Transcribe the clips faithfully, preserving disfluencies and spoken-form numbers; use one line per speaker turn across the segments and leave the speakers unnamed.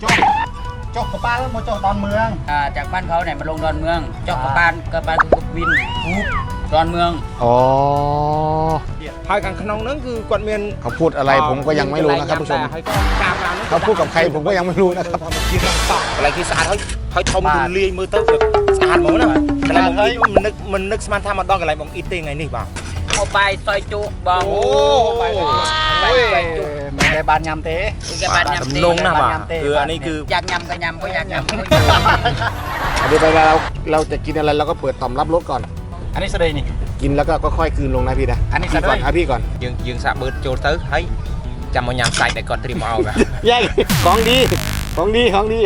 จอกจอกกระปานแล้วมาจอกดอนเมือง
อ่าจากบ้านเขาเนี่ยมาลงดอนเมืองจอกกระปานกระปานกุบวินฮูบดอนเมือง
อ๋อ
หายกันขนมนั้นคือกวดเมียน
เขาพูดอะไรผมก็ยังไม่รู้นะครับผู้ชมเขาพูดกับใครผมก็ยังไม่รู้นะครับ
อะไรคือสะอาดเขาเขาทำดูเลียมือเต้าสะอาดหมดนะอะไรมองอีมันนึกมันนึกสมาร์ททำมาดองอะไรมองอีตีไงนี่บ้าง
เอาไปซอยจุบอง
โอ้ไปไปจุไม่ได้บานยำเต้
แกบานยำเต้
ลงนะบ้างคืออันนี้คือ
อยากยำก็ยำก็อยากยำ
เดี๋ยวเวลาเราเราจะกินอะไรเราก็เปิดต่อมรับรสก่อน
อันนี้สเดย์นี่
กินแล้วก็ค่อยๆคืนลงนะพี่นะ
อันนี้
พี่ก่อนครับพี่ก่อน
ยืงยืงสะเบิดโจเตอร์ให้จำมันยำใส่แต่ก่อนตรีมเอาแบบ
ใหญ่ของดีของดีของดี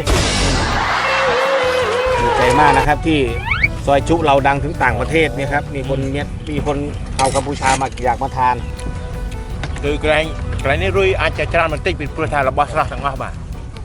ดีใจมากนะครับที่ซอยจุเราดังถึงต่างประเทศเนี่ยครับมีคนเนี้ยมีคนเอากัมพูชามาอยากมาทาน
คือไกลไกลนี่รุ่ยอาจจะจานมันติดเป็นประธานระบอบสลาสังหารบ้าง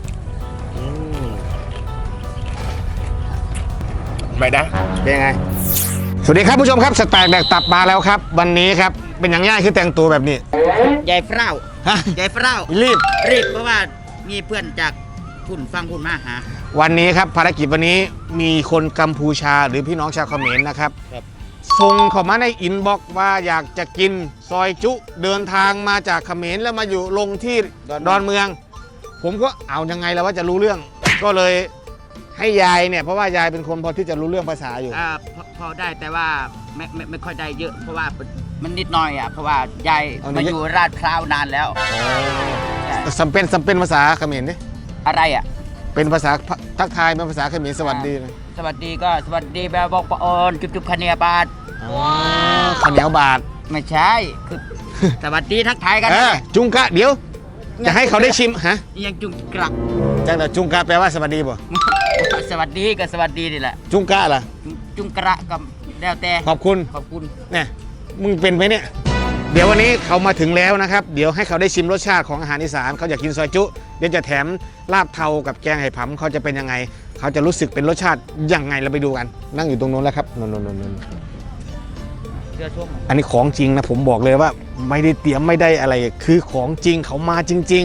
ไม่ได้
เป็นไงสวัสดีครับผู้ชมครับสแต็กแดกตับมาแล้วครับวันนี้ครับเป็นอย่างง่ายคือแต่งตัวแบบนี้
ใหญ่เฝ้า
ฮะ
ใหญ่เฝ้า
รีบ
รีบเพราะว่ามีเพื่อนจากคุณฟังคุณมาหา
วันนี้ครับภารกิจวันนี้มีคนกัมพูชาหรือพี่น้องชาวเขมรนะครับส่งเข้ามาในอินบ็อกซ์ว่าอยากจะกินซอยจุเดินทางมาจากเขมรแล้วมาอยู่ลงที่ดอนเมืองผมก็เอายังไงแล้วว่าจะรู้เรื่องก็เลยให้ยายเนี่ยเพราะว่ายายเป็นคนพอที่จะรู้เรื่องภาษาอยู่
อ่าพอได้แต่ว่าไม่ไม่ไม่ค่อยได้เยอะเพราะว่ามันนิดหน่อยอ่ะเพราะว่ายายมาอยู่ราชพร้าวนานแล้ว
สำเป็นสำเป็นภาษาเขมรดิ
อะไรอ่ะ
เป็นภาษาทักทายเป็นภาษาเขมรสวัสดีเลย
สวัสดีก็สวัสดีแบบบอกปอนจุบจุบคเนียบาท
ข้าวเหนียวบาท
ไม่ใช่คือสวัสดีทักทายกัน
จุงกะเดี๋ยวจะให้เขาได้ชิมฮะ
ยังจุงกระ
จังแต่จุงกะแปลว่าสวัสดีป่ะ
สวัสดีก็สวัสดีนี่แหละ
จุงกะล่ะ
จุงกระกับแล้วแต่
ขอบคุณ
ขอบคุณ
เนี่ยมึงเป็นไหมเนี่ยเดี๋ยววันนี้เขามาถึงแล้วนะครับเดี๋ยวให้เขาได้ชิมรสชาติของอาหารอีสานเขาอยากกินซอยจุเดี๋ยวจะแถมลาบเทากับแกงไห่ผำเขาจะเป็นยังไงเขาจะรู้สึกเป็นรสชาติยังไงเราไปดูกันนั่งอยู่ตรงโน้นแล้วครับโน้นโน้นโน้นอันนี้ของจริงนะผมบอกเลยว่าไม่ได้เตรียมไม่ได้อะไรคือของจริงเขามาจริง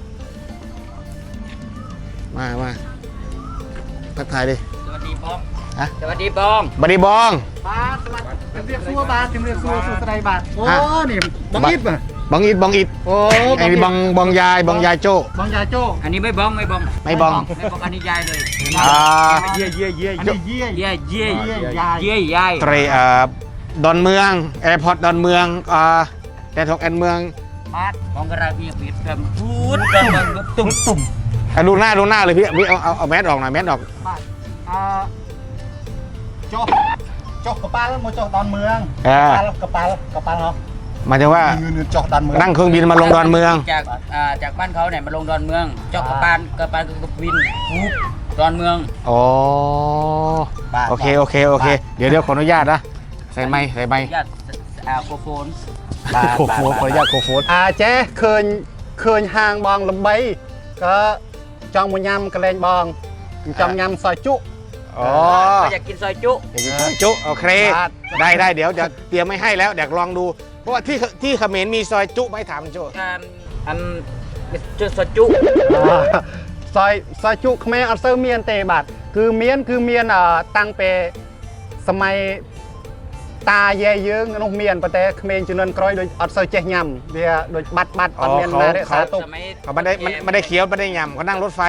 ๆมามาทักทายดิ
สวัสดีบอง
ฮะ
สวัสดีบอง
บัดดีบอง
บาทเรียกซัวบาทเรียกซัวซัวสไลบาทโอ้นี่บังอิดป่ะ
บังอิดบังอิดโอ้ไอ้บองบองยายบองยายโจ้
บองยายโจ้
อันนี้ไม่บองไม่บอง
ไม่บอง
ไม่บองอันนี้ยายเลย
อ่า
เย่เย่เย่อันนี้เย่
เย่เย่
ยาย
เย่ยาย
เตรเอ่อดอนเมืองแอร์พอร์ตดอนเมืองอ่าแดนทองแอนเมือง
บาทของกระไรเบียดเบียดกันพูดกันตุ่มตุ่ม
ดูหน้าดูหน้าเลยพี่พี่เอาเอาเอาแมสออกหน่อยแมสออก
อ่าโจ๊กโจ๊กกระปานแล้วมาโจ๊กดอนเมืองกระปานกระปานเหรอ
หมายถึงว่านั่งเครื่องบินมาลงดอนเมือง
จากอ่าจากบ้านเขาเนี่ยมาลงดอนเมืองจอกกระปานกระปานกุบวินฮูบดอนเมือง
อ๋อโอเคโอเคโอเคเดี๋ยวเดี๋ยวขออนุญาตนะใส่ไม้ใส่ไม้
ญาติอ่าโคโฟน
โคโฟนขออนุญาตโคโฟน
อ่าเจ๊เคยเคยห่างบองลำใบก็จองมวยำกระเลงบองจองยำซอยจุ
อ๋อ
อยากกินซอยจุ
อยากกินซอยจุโอเคได้ได้เดี๋ยวจะเตรียมไม่ให้แล้วเดี๋ยวลองดูเพราะว่าที่ที่เขมรมีซอยจุไม่ถามโจ้
อันจุซอยจุ
ซอยซอยจุเขมรอัลเซอร์เมียนเตบัดคือเมียนคือเมียนอ่าตั้งเปสมัยตาเย่เยื้องนกเมียนประเทศเขมรจุนนกร้อยโดยอัลเซอร์เจยำเดียโดยบัดบัดปันเมียนมาได้สาตุก
เขาไม่ได้ไม่ได้เคี้ยวไม่ได้ยำเขานั่งรถไฟ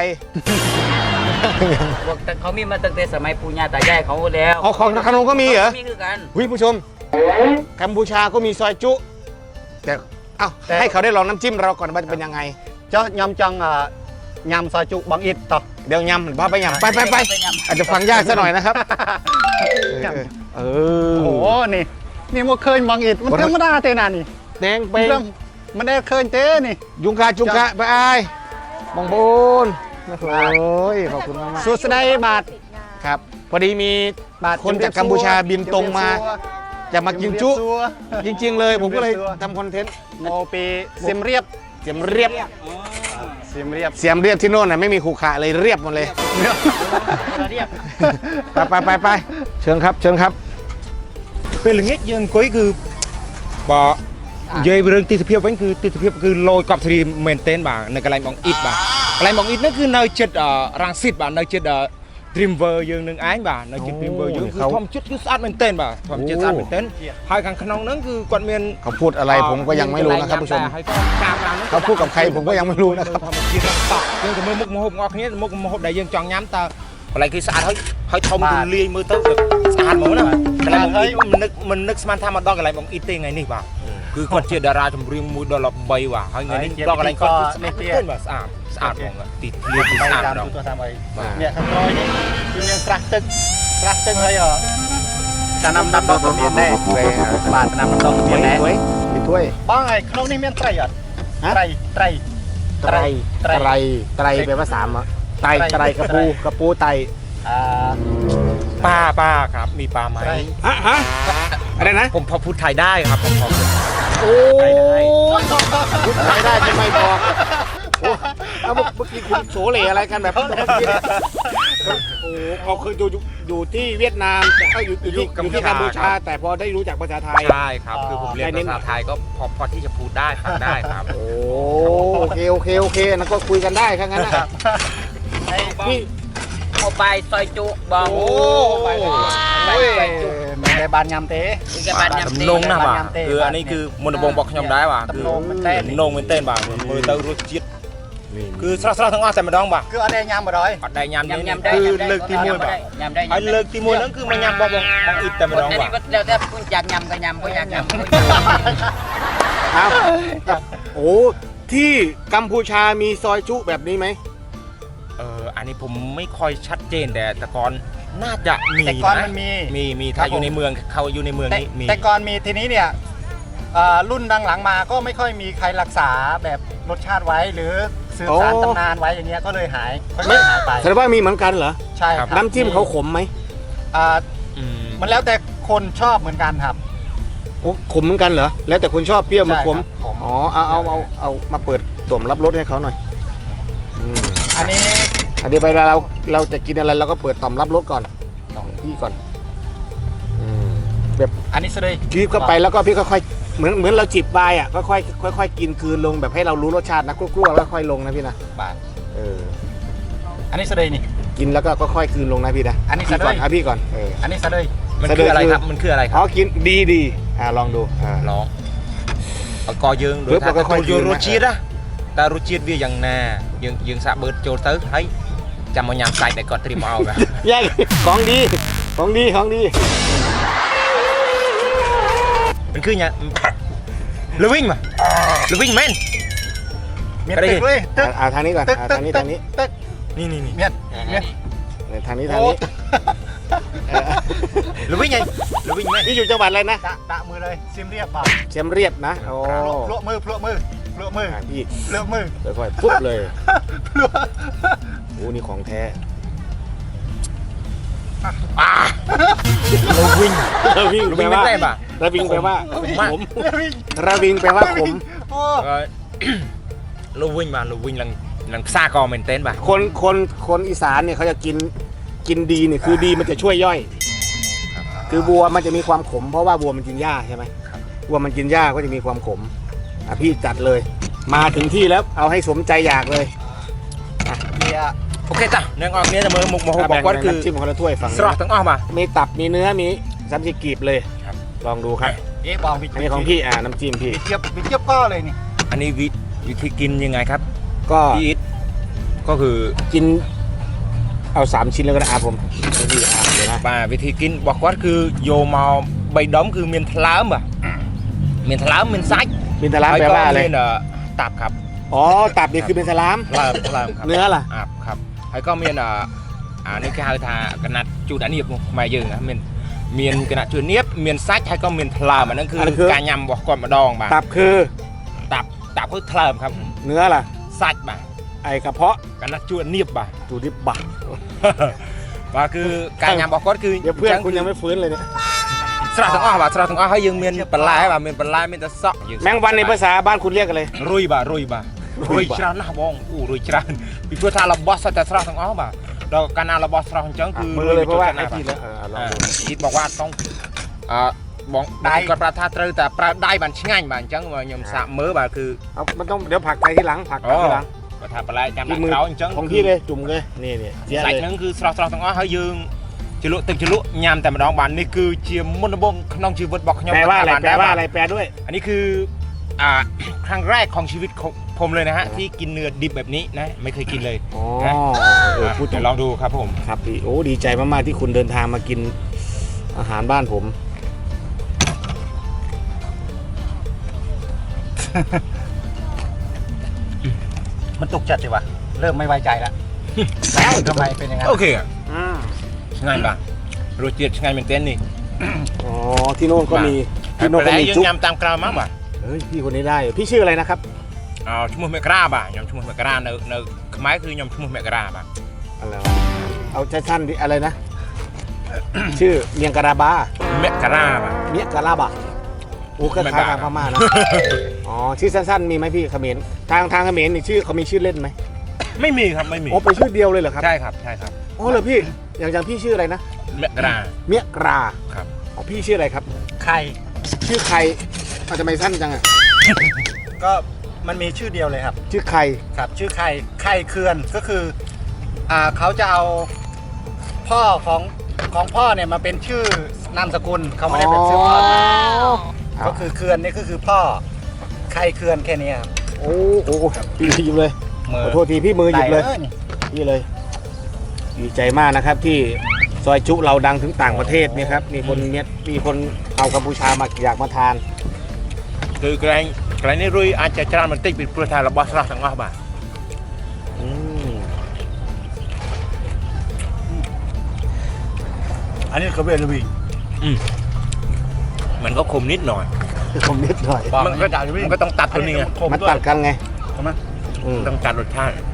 เขามีมาตั้งแต่สมัยปู่ย่าตายายเขาแล้ว
อ๋อของขนมก็มีเหรอ
มีคือกัน
หุ้ยผู้ชมกัมพูชาก็มีซอยจุแต่เอ้าให้เขาได้ลองน้ำจิ้มเราก่อนว่าจะเป็นยังไง
เจ้ายำจังยำซอยจุบางอิดต่อ
เดี๋ยวยำบ้าไปยำไปไปไปอาจจะฟังยากซะหน่อยนะครับเออ
โอ้โหนี่นี่มันเคยบางอิดมันธรรมดาเท่านี่
แดงไป
มันได้เคยเต้นี่
ยุงกาจุงกะไปไอ้บองบูนโอ้ยขอบคุณมาก
สุดได้บาท
ครับพอดีมีคนจากกัมพูชาบินตรงมาจะมากินจุจริงๆเลยผมก็เลยทำคอนเทนต์
โมปีเสียมเรียบ
เสียมเรียบ
เสียมเรียบ
เสียมเรียบที่โน่นน่ะไม่มีขู่ขาเลยเรียบหมดเลยไปไปไปไปเชิญครับเชิญครับ
เป็นอย่างเงี้ยยังก้อยคือบ่เย่เรื่องติดเพียบไว้คือติดเพียบคือโรยกับทรีเมนเทนบ่าในกระไรบองอิดบ่าอะไรมองอินนั่นคือในจุดรังสิตบ่ในจุดดรีมเวอร์ยังหนึ่งไอ้บ่ในจุดดรีมเวอร์ยังคือทอมจุดคือสะอาดเหมือนเต้นบ่ทอมจุดสะอาดเหมือนเต้นภายข้างขนมนั้นคือกวนเมียน
เขาพูดอะไรผมก็ยังไม่รู้นะครับผู้ชม เขาพูดกับใครผมก็ยังไม่รู้นะครับ
ทำกินต่อยังจะมือมุกมโหบงอกนี้มุกมโหบใดยังจองย้ำตาอะไรคือสะอาดให้ให้ทอมดูเลียมือเต้าสะอาดหมดนะอะไรมองอินมันนึกมันนึกสมันทำมาดอกอะไรมองอินเต้ไงนี่บ่คือคนเชียร์ดาราจมเรียงมือดอลลาร์ใบว่ะให้เงินนี่ดอกอะไรก็เต้นแบบสะอาดสะอาดมองอ่ะติดเลียนสะอาด
តាម
ดอก
ទូទៅតាមអីនេះខាងក្រោយនេះគឺមានស្រះទឹកស្រះទឹកហើយចំណាំដាំដុះក៏មានដែរបាទចំណាំដាំដុះក៏មានដែរ
มีถ้วย
បងហើយក្នុងនេះមានត្រីអត់ត្រីត្រី
ไตรไตรไตรแปลว่าสามอ่ะไตรไตรกระปูกระปูไตร
អឺ
ปลาปลาครับมีปลาไหม
ฮะฮะอะไรนะ
ผมพอพูดไทยได้ครับผมพอพูด
โอ้พูดไทยได้จะไม่บอกโอ้เอาเมื่อกี้คุณโสเหล่อะไรกันแบบเมื่อกี้เนี่ยโอ้เขาเคยอยู่อยู่ที่เวียดนามแต่ก็อยู่อยู่ที่อยู่ที่กัมพูชาแต่พอได้รู้จักภาษาไทย
ใช่ครับคือผมเรียนภาษาไทยก็พอพอที่จะพูดได้ฟังได้ครับ
โอ้โอเคโอเคโอเคนั่นก็คุยกันได้แค่นั้นนะพี่
เอาไปซอยจุบอง
โอ้
ไป
โอ้
ซอยจุ
មិនដែលបានញ៉ាំទេ
นี่ก็บ้านยำ
ตำ
ตี
นงนะบ่า
บ้านยำเต้
คืออันนี้คือมนต์บงบอกยำได้บ่าคือ
ตำนงมันเต้น
นงมันเต้นบ่ามือเต้ารสจิตคือสระสระทั้งอ้อแต่มาดองบ่า
គឺអត់ទេញ៉ាំបណ្ដោយ
ปัดได้ยำ
ยำ
นี่
ยำได้
คือเลิกที่มวยบ่าย
ยำได้
ไอ้เลิกที่มวยนั่นคือมันยำบ่บงบงอิดแต่มาดอง
แต่
บ่า
นี่ก็แล้วแต่คุณอยากยำก็ยำก็อยากยำก็
ครับโอ้ที่กัมพูชามีซอยจุแบบนี้ไหม
เอออันนี้ผมไม่ค่อยชัดเจนแต่แต่ก่อนน่าจะมี
แต่ก่อน
นะ
มันมี
มีมีถ้าอยู่ในเมืองเขาอยู่ในเมือง
แต่
นี้มี
แต่ก่อนมีทีนี้เนี่ยเอ่อรุ่นดังหลังมาก็ไม่ค่อยมีใครรักษาแบบรสชาติไว้หรือสืบสาน
โอ้
ตำนานไว้อย่างเงี้ยก็เลยหายค่อยๆหายไป
แสดงว่ามีเหมือนกันเหรอ
ใช่ครับ
น้ำจิ้มเขาขมไหม
อ่า
อืม
มันแล้วแต่คนชอบเหมือนกันครับ
โอ้ขมเหมือนกันเหรอแล้วแต่คนชอบเปรี้ยวมันขม
ใช่ครับขม
อ๋อเอาเอาเอาเอามาเปิดตุ่มรับรสให้เขาหน่อยอืม
อันนี้
อันนี้ไปเวลาเราเราจะกินอะไรเราก็เปิดต่อมรับรสก่อนของพี่ก่อนอืมแบบ
อันนี้สเลย
คีบเข้าไปแล้วก็พี่ค่อยๆเหมือนเหมือนเราจิบไวน์อ่ะค่อยๆค่อยๆกินคืนลงแบบให้เรารู้รสชาตินะกลัวๆแล้วค่อยลงนะพี่นะ
บาท
เออ
อันนี้สเลยนี่
กินแล้วก็ค่อยๆคืนลงนะพี่นะ
อันนี้
พี่ก่อน
สะดุ้ย
อ่ะพี่ก่อนเออ
อันนี้สเลย
มันคืออะไรครับมันคืออะไรค
อ๋
รั
อบ กินดีดีอ่าลองดูอ่า
ร้องเอากอยืงโด
ปึ๊
ย
บ
ถ้า
แล้วก็ค่
ตั
อ
วย ยืง
ยืน
ร
นะ
สชีสอะแต่รสชีสវាយ៉ាងណាយើងយើងសាក់បឺតចូលទៅហើយចាំមកញ៉ាំសាច់ដែលគាត់ត្រៀមមកឲ្យបាទ
แย่ของดีของดีของดี
มันคือញ៉ាំលវិញមកលវិញមែន
មាន
ก็ได้
ទឹកเลยตึก
อ่าทางนี้ก่อน
ตึก
อ่า
ตึก
ทางนี้
ตึ
ทาก งนี้
ตึก
នេះនេះនេះ
មានមាន
เออทางนี้ทาง
โอ้
นี้เออ
លវិញហីលវិញមែន
นี่อยู่จังหวัดอะไรนะ
ដាក់ដាក់มือเลยซิมเรียบบ่า
เชียมเรียบนะโอ้
พลวกมือพลวกมือพลวกมือ
อ่ะพี่
พลวกมือ
ค่อยๆปุ๊บเลย
พลวก
โอ้นี่ของแท้
លវិញ
ระวิง
ល
แปล
វិញ
ว่า
មែនទេបាទ
ระวิงแปลว่า
មក
ขมระวิงแปลว่าขม
โอ้
លវិញបាទលវិញឡើងឡើងផ្សារក៏មែនទេបាទ
คนคนคนอีสานเนี่ยเขาจะกินกินดีเนี่ยคือดีมันจะช่วยย่อย คือวัวมันจะมีความขม เพราะว่าวัวมันกินหญ้าใช่ไหมวัวมันกินหญ้าก็จะมีความขมอ่ะพี่จัดเลย มาถึงที่แล้วเอาให้สมใจอยากเลย
เนี่ย
អូខេតាអ្នកនរគ្នាទៅមើលមុខម្ហូបរបស់គាត់គឺ
น้ำจิ้มคนละถ้วยฝั่ง
ស្រស់ទាំងអស់បាទ
มีตับมีเนื้อมีซัมจิกีบเลย
ครับ
ลองดูครับ
เอ๊ะบอกวิ
อันนี้ของพี่อ่าน้ำจิ้มพี่
วิเจี๊ยบวิเจี๊ยบก็เลยนี่
อันนี้วิวิธีกินยังไงครับ
ก็
พี่อิทก็คือ
กินเอาสามชิ้นแล้วก็ได้อาผมให้พี่อ่าเดี๋ยวนะ
បាទវិធីกินរបស់គាត់គឺយកមកបីដុំគឺមានថ្លើមបាទមានថ្លើមមានសាច់
บินทลามแปลว่าอะไร
មានតាប់ครับ
อ๋อตับนี่คือเป็นสลาม
ថ្លើមថ្លើមครับ
เนื้อล่ะ
អាប់ครับហើយក៏មានអានេះគេហៅថាកណាត់ជូតអានៀបខ្មែរយើងណាមានមានកណាត់ជូតនៀបមានសាច់ហើយក៏មានថ្លើមអាហ្នឹងគឺការញ៉ាំរបស់គាត់ម្ដងបាទ
ตับคือ
តាប់តាប់គឺថ្លើមครับ
เนื้อล่ะ
សាច់បាទ
ไอกระเพาะ
កណាត់ជូតនៀបបាទ
ตูดิบบัก
បាទគឺការញ៉ាំរបស់គាត់គឺ
เดี๋ยวเพื่อนคุณยังไม่ฟื้นเลยเนี่ย
ស្រស់ទាំងអស់បាទស្រស់ទាំងអស់ហើយយើងមានបន្លែបាទមានបន្លែមានតែសក់យើង
แมงวันในภาษาบ้านคุณเรียกอะไร
រុយបាទរុយបាទរុយច្រើនណាស់បងអូរុយច្រើនពីព្រោះថារបស់សុទ្ធតែស្រស់ទាំងអស់បាទដល់កាលណារបស់ស្រស់អញ្ចឹងគឺ
มือเลยเพราะว่าไอ
ណា
ที
បាទ
แล้วเออลองดู
អ៊ីតบอกว่าต้องអឺបងដៃគាត់ប្រាប់ថាត្រូវតែប្រើដៃបានឆ្ងាញ់បាទអញ្ចឹងខ្ញុំសាកមើលបាទគឺ
เอามันต้องเดี๋ยวผักใส่ทีหลังผัก
អូ
ทีหลัง
អก็ทำไปแล้วจำหนั
ที่
ก
มือ
เราจัง
ของพี่เลยจุ่มเลยนี่นี่เสีย
ใส่
เลย
นั่นคือสระสระทั้งอ้อให้ยืงจิลุตึงจิลุยามแต่มาดองบานนี่คือเชียมุนบงขนมชีวิตบอกขยม
แปลว่าอะไร
บาน
แปล
ได้
ว่า
บา
อะไรแปลด้วย
อันนี้คืออ่า ครั้งแรกของชีวิตของผมเลยนะฮะที่กินเนื้อดิบแบบนี้นะไม่เคยกินเลย
อ๋อ
นะ
เออพูด
เดี๋ยวลองดูครับผม
ครับพี่โอ้ดีใจมากๆที่คุณเดินทางมากินอาหารบ้านผม
มันตกจัดสิวะเริ่มไม่ไว้ใจแล้วแล้วทำไมเป็นอย่างนั้น
โอเคอ่ะง่ายปะรสเจียดง่ายเหมือนเต้นนี่
อ๋อที่โน่นก็มี
ที่
ที่
โน่
โน่
น
น
ก็
ก็
มี
มี
จุ๊
จุ๊
ยำตามกราวมั้งป่ะ
เฮ้ยพี่คนนี้ได้พี่ชื่ออะไรนะครับ
อ๋อชั่วโมงเมกราบ่ะยำชั่วโมงเมกราเนอเนอขมายคือยำชั่วโมงเมกราบ่ะ
อะไรวะเอาสั้นๆดิอะไรนะ ชื่อเมียงกะราบา
เมกราบ่ะ
เมียงกะราบะโอ้คล้ายๆทางพม่านะ อ๋อชื่อสั้นๆมีไหมพี่เขมรทางทางเขมรนี่ชื่อเขามีชื่อเล่นไหม
ไม่มีครับไม่มี
อ๋อเป็นชื่อเดียวเลยเหรอครับ
ใช่ครับใช่ครับ
อ๋อเหรอพี่อย่างอย่างพี่ชื่ออะไรนะ
เมกรา
เมียกรา
ครับ
อ๋อพี่ชื่ออะไรครับ
ใคร
ชื่อใครอาจจะไม่สั้นจังอะ
ก็มันมีชื่อเดียวเลยครับ
ชื่อใคร
ครับชื่อไข่ไข่เคือนก็คืออ่าเขาจะเอาพ่อของของพ่อเนี่ยมาเป็นชื่อนามสกุลเขาไม่ได้เป็นชื่อพ่อนะก็คือเคือนนี่ก็คือพ่อไข่เคือนแค่นี้ครับ
โอ้โหพี่หยิบเลย
มื
ขอโทษทีพี่มือหยิบเลย
ได้นี่
นี่เลยดีใจมากนะครับที่ซอยจุเราดังถึงต่างประเทศเนี่ยครับมีคนเมียมีคนเอากัมพูชามาอยากมาทาน
คือไกลไกลนี่รุยอาจจะจานมันติดเป็นประธานระบอบสระสังวาบ่ะ
อืม
อันนี้เขาเป็นลูวี
มันก็คมนิดหน่อย
ผมนิดหน่อย
มันก็มันก็ต้องตัดตัวนี้ไง
มันตัดกันไง
ใช่ไหม
อืม
ต้องตัดรสชาติ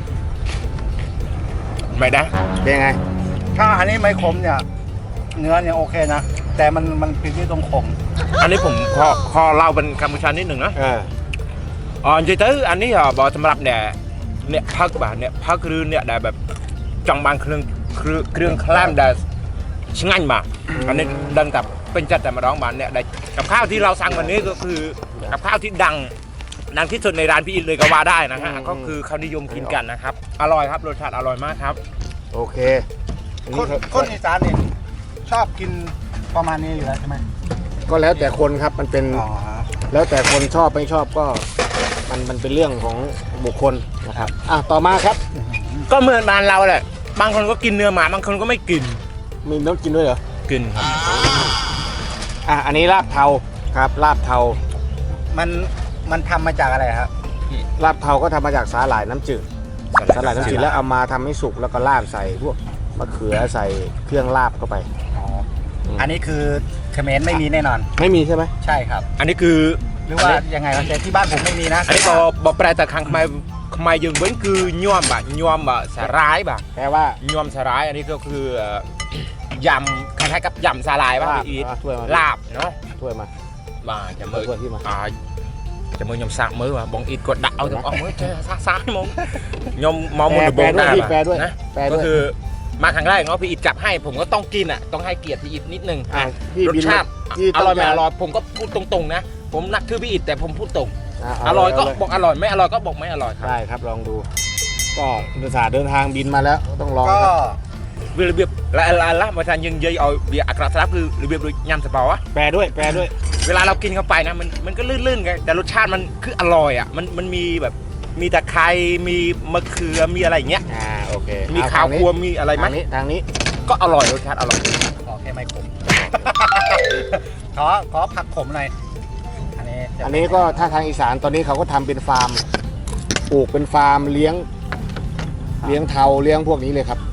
ไม่ได้
เป็นไง
ถ้าอันนี้ไม่ขมเนี่ยเนื้อเนี่ยโอเคนะแต่มันมันผิดที่ตรงขม
อันนี้ผมขอขอเล่าเป็นกัมพูชานิดหนึ่งนะ
เออ
อ๋อจริงๆอันนี้อ่ะบอกสำหรับเนี่ยเนี่ยพักบ่ะเนี่ยพักคือเนี่ยได้แบบจังบางเครื่องเครื่องเครื่องคลามได้ช่างบ่ะอันนี้ดังกับเป็นจัดแต่มาร้องบ้านเนี่ยได้กับข้าวที่เราสั่งวันนี้ก็คือกับข้าวที่ดังดังที่สุดในร้านพี่อินเลยก็ว่าได้นะฮะก็คือเขานิยมกินกันนะครับอร่อยครับรสชาติอร่อยมากครับ
โอเคอัน
ค
นี้
น
เขา
คนอีสานเนี่ยชอบกินประมาณนี้อยู่แล้วใช่ไหม
ก็แล้วแต่คนครับมันเป็น
อ๋อ
แล้วแต่คนชอบไม่ชอบก็มันมันเป็นเรื่องของบุคคลนะครับอ่ะต่อมาครับ
ก็เหมือนบ้านเราแหละบางคนก็กินเนื้อหมาบางคนก็ไม่กิน
มีน้ำกินด้วยเหรอ
กินครับ
อ่ะอันนี้ลาบเทาครับลาบเทา
มันมันทำมาจากอะไรครับ
ลาบเทาก็ทำมาจากสาหร่ายน้ำจืดสาหร่ายน้ำจืดแล้วเอามาทำให้สุกแล้วก็ราดใส่พวกมะเขือใส่เครื่องลาบเข้าไป
อ๋ออันนี้คือเขมรไม่มีแน่นอน
ไม่มีใช่ไหม
ใช่ครับ
อันนี้คือ
หรือว่ายังไงวะแต่ที่บ้านผมไม่มีนะ
อันนี้ก็บอกแปลแต่ครั้งทำไมทำไมยังเว้นคือยวมบ่ะยวมบ่ะสาร้ายบ่ะ
แปลว่า
ยวมสาร้ายอันนี้ก็คือเอ่อยำคล้ายๆกับยำสาลายป่ะ
ลาบ
พี่อีท
อ่ะถ้วยมา
ลาบเนาะ
ถ้วยมา
มาจะมือ
ถ้วยที่มา
อ่าจะมือยำสากมือว่ะบองอีทกดดักเอาถึงออกมือเจ๊ซาซาๆมองยำมอง
แป
มื
ล
อ
แป
บ
ล
ง
ด้วย
ได้
พี่
ป่ะ
แปลด้วย
นะ
แปล
ก็
ด้วย
คือมาครั้งแรกเนาะพี่อีทจับให้ผมก็ต้องกินอ่ะต้องให้เกียรติพี่อีทนิดนึง
อ่ะพี่
รส
บิน
ชาติ
พี่
อร่อย
ต้
ไม่
ง
อร่อยผมก็พูดตรงๆนะผมนักคือพี่อีทแต่ผมพูดตรง
ะเา
อร่อยก็
เล
บอกอร่อยไม่อร่อยก็บอกไม่อร่อยครับ
ได้ครับลองดู ก็ภาษาเดินทางบินมาแล้วต้องลอง
ก็
ครับ
របៀបឡាឡាឡាមកថាយើងនិយាយឲ្យវាអាក្រក់ស្រាប់គឺរបៀបដូចញ៉ាំសបោอะ
แปลด้วยแปลด้วย
เวลาเรากินเข้าไปนะมันมันก็ลื่นๆไงแต่รสชาติมันคืออร่อยอ่ะมันมันมีแบบมีตะไคร้มีมะเขือมีอะไรอย่างเงี้ย
อ่าโอเค
มี
เอ
ข้าว
ทงนี้
คั่วมีอะไรไหม
ทางนี้ทางนี้
ก็อร่อยรสชาติอร่อย
ขอแค่ไม่ขม ขอขอผักขมหน่อยอันนี้จะ
อันนี้ก็ถ้าทางอีสานตอนนี้เขาก็ทำเป็นฟาร์มปลูกเป็นฟาร์มเลี้ยง เลี้ยงเทาเลี้ยงพวกนี้เลยครับ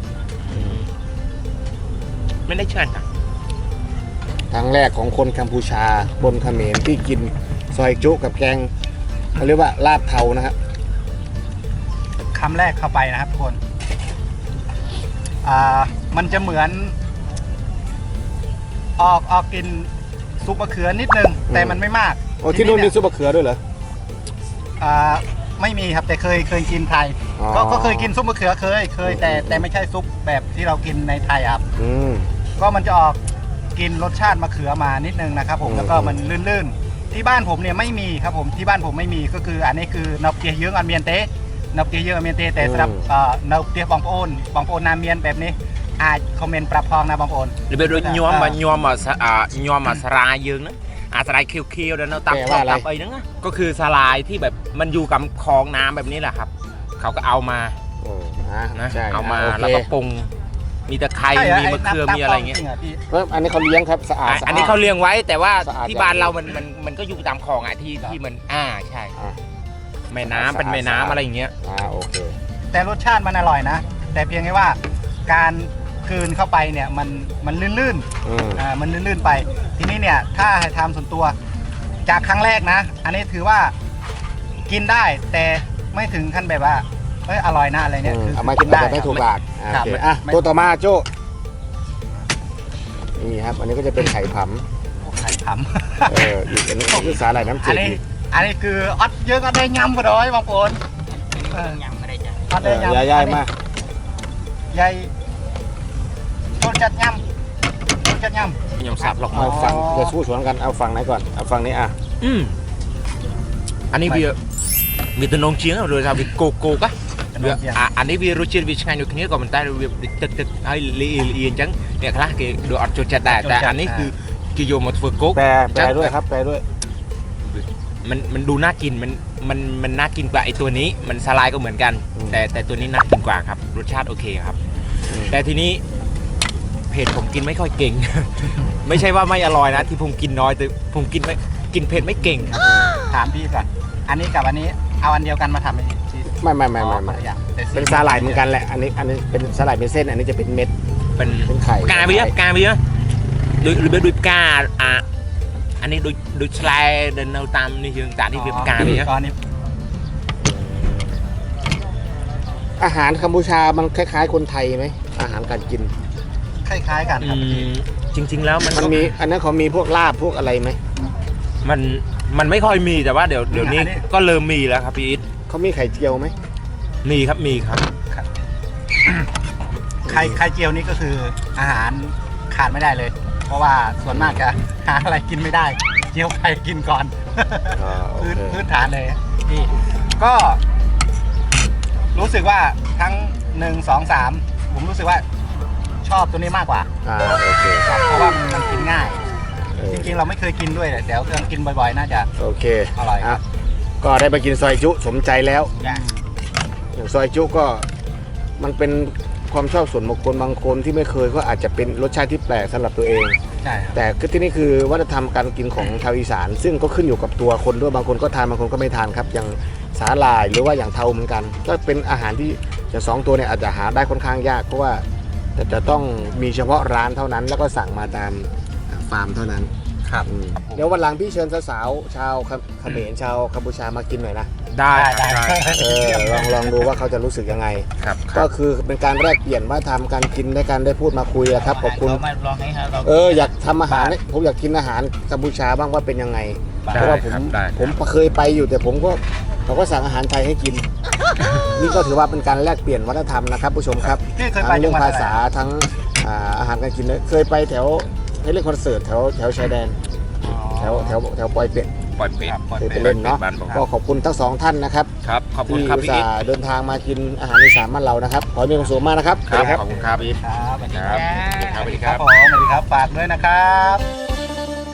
ไม่ได้เชิญนะ
ครั้งแรกของคนกัมพูชาบนเขมรที่กินซอยจุกับแกงเขาเรียกว่าลาบเทานะครับ
คำแรกเข้าไปนะครับทุกคนอ่ามันจะเหมือน ออกออกกินซุปมะเขือนิดนึง แต่มันไม่มาก
โอ้ที่นู่นมี
เย
ซุปมะเขือด้วยเหรอ
อ่าไม่มีครับแต่เคยเคยกินไทย
อ๋อ
ก็ก็เคยกินซุปมะเขือเคยเคยแต่แต่ไม่ใช่ซุปแบบที่เรากินในไทยครับ
อืม
ก็มันจะออกกินรสชาติมะเขือมานิดนึงนะครับผม
อืม
แล้วก็มันลื่นๆ ที่บ้านผมเนี่ยไม่มีครับผมที่บ้านผมไม่มีก็คืออันนี้คือนอกเกียเยื้องอันเมียนเต้នៅផ្ទះយើងអត់មានទេតែសម្រាប់នៅផ្ទះបងប្អូនបងប្អូនណាមានបែបនេះអាចខមមិនប្រាប់ផងណាបងប្អូន
របៀបដូចញោមមកញោមមកញោមមកសារាយើងហ្នឹងអាសារាយខៀវខៀវដែលនៅតាមផ្ទះតាមអីហ្នឹងក៏คือសាឡាយที่แบบมันอยู่กับคลองน้ำแบบนี้แหละครับเขาก็เอามานะเอามาแล้วก็ปรุงมีตะไคร้มีมะเขือมีอะไรเงี้ย
อันนี้เขาเลี้ยงครับสะอาด
อันนี้เขาเลี้ยงไว้แต่ว่าที่บ้านเรามันมันมันก็อยู่ตามคลองอ่ะที่ที่มันอ่าใช่แม่น้ำเป็นแม่น้ำอะไรอย่างเงี้ย
อ่าโอเค
แต่รสชาติมันอร่อยนะแต่เพียงแค่ว่าการคืนเข้าไปเนี่ยมันมันลื่นๆอ่ามันลื่นๆไปทีนี้เนี่ยถ้าให้ทำส่วนตัวจากครั้งแรกนะอันนี้ถือว่ากินได้แต่ไม่ถึงขั้นแบบว่าเอ้ยอร่อยนะอะไรเนี่ยคือ
เอามากินได้ไม่ถูกหลักโอเคอ่ะตัวต่อมาโจ้นี่ครับอันนี้ก็จะเป็นไข่ผำ
ไข่ผ
เอออีกอันนี้คือสาหร่ายน้ำ
ำ
จื
อัน
ด
นี้อันนี้คืออดเยอะก็ได้ยำก็ได้บางคน
ញ៉ាំមិនได้จ้ะ
อด
เอ
ได้
อย
ำ
ย่ายๆมา
ใหญ่โดนจัดยำโดนจัดยำ
ยำสับหรอก
เอาฝั่งจะสู้สวนกันเอาฝั่งไหนก่อนเอาฝั่งนี้อ่ะ
อืมอันนี้វាมีตะนงเชียงโดยថាវាគោគោកអាអានេះវារសជាតិវាឆ្ងាញ់ដូចគ្នាក៏ប៉ុន្តែវាទឹកទឹកហើយលីលីអញ្ចឹងអ្នកខ្លះគេដូចអត់ចូលចិត្តដែរតែអានេះគឺគេយកមកធ្វើគោក
แปลแปลด้วยครับแปลด้วย
มันมันดูน่ากินมันมันมันน่ากินกว่าไอตัวนี้มันสลายก็เหมือนกัน แต่แต่ตัวนี้น่ากินกว่าครับรสชาติโอเคครับ แต่ทีนี้เผ็ดผมกินไม่ค่อยเก่ง ไม่ใช่ว่าไม่อร่อยนะที่ผมกินน้อยแต่ผมกินไม่กินเผ็ดไม่เก่งครับ
ถามพี่ก่อนอันนี้กับอันนี้เอาอันเดียวกันมาทำไหมที่
ไม่ไม่ไม่ไม่ไม่
อย่าง
เป็นสาหร่ายเหมือนกันแหละอันนี้อันนี้เป็นสาหร่ายเป็นเส้นอันนี้จะเป็นเม็ด
เป็น
เป็นไข่
กาเบียกาเบียโดยโดยโดยกาอ่ะอันนี้โดยโดยสไลด์เดินเอาตามนี่ยังแต่นี่เบียกาเบีย
ก้อนนี้
อาหารกัมพูชามันคล้ายๆคนไทยไหมอาหารการกิน
คล้ายๆกันครับ
จริง ๆ แล้วมัน
มันมีอันนั้นเขามีพวกลาบพวกอะไรไหม
มันมันไม่ค่อยมีแต่ว่าเดี๋ยวเดี๋ยวนี้ก็เริ่มมีแล้วครับพี่อิท
เขามีไข่เจียวไหม
มีครับมีครับ
ไข่ไข่เจียวนี่ก็คืออาหารขาดไม่ได้เลย เพราะว่าส่วนมากจะหาอะไรกินไม่ได้เจียวไข่กินก่อน
อ่าโอ
พื้น
เค
พื้นฐานเลยนี่ก็รู้สึกว่าทั้งหนึ่งสองสามผมรู้สึกว่าชอบตัวนี้มากกว่า
อ่าโอเค
ครับเพราะว่ามันกินง่าย
เออ
จริงๆเราไม่เคยกินด้วยแต่เดี๋ยวเครื่องกินบ่อยๆน่าจะ
โอเค
อร่อยครับ
ะก็ได้มากินซอยจุสมใจแล้ว
อย่าง
อย่างซอยจุก็มันเป็นความชอบส่วนบุคคลบางคนที่ไม่เคยก็อาจจะเป็นรสชาติที่แปลกสำหรับตัวเอง
ใช่ครับ
แต่คือที่นี่คือวัฒนธรรมการกินของชาวอีสาน ซึ่งก็ขึ้นอยู่กับตัวคนด้วยบางคนก็ทานบางคนก็ไม่ทานครับ อย่างสาหร่ายหรือว่าอย่างเทาเหมือนกัน ก็เป็นอาหารที่จะสองตัวเนี่ยอาจจะหาได้ค่อนข้างยากเพราะว่าจะจะต้องมีเฉพาะร้านเท่านั้น แล้วก็สั่งมาตามฟาร์มเท่านั้น
ครับ
อืมเดี๋ยววันหลังพี่เชิญสาวๆชาวเขมรชาวกัมพูชามากินหน่อยนะ
ได้ครับได้
เออลองลองดูว่าเขาจะรู้สึกยังไง
ครับ
ก็คือเป็นการแลกเปลี่ยนว่าทำการกินในการได้พูดมาคุยอะครับขอบคุณ
เรามาลองให้เรา
เอออยากทำอาหารผมอยากกินอาหารกัมพูชาบ้างว่าเป็นยังไงเพราะว่าผม
ได้
ผมเคยไปอยู่แต่ผมก็เขาก็สั่งอาหารไทยให้กิน นี่ก็ถือว่าเป็นการแลกเปลี่ยนวัฒนธรรมนะครับผู้ชมครับ
พี่เคยไป
ทั้ง
จั
เรื่
ง
อง
หวัด
ภา
อะไร
ษาทั้งอ่าอาหารการกินเลยเคยไปแถวให้เล่นคอนเสิร์ตแถวแถวชายแดนแถวแถวแถวปอยเป็ด
ปล่อยเป็ด
เคยไปเล่นเนาะ
บ้านผม
ก็ขอบคุณทั้งสองท่านนะครับ
ครับขอบคุณ
ที่
ครับ
อุต
พี่
ส่า
อิท
ห์เดินทางมากินอาหารอีสานบ้านเรานะครับขอให้มีความสุขมากนะครับ
ครับขอบคุณครับพี่อิท
ครับสวัสดี
ครับ
ครับ
สวัสดี
ค
ค
รั
รั
บบ ผมสวัสดีครับฝากด้วยนะครับ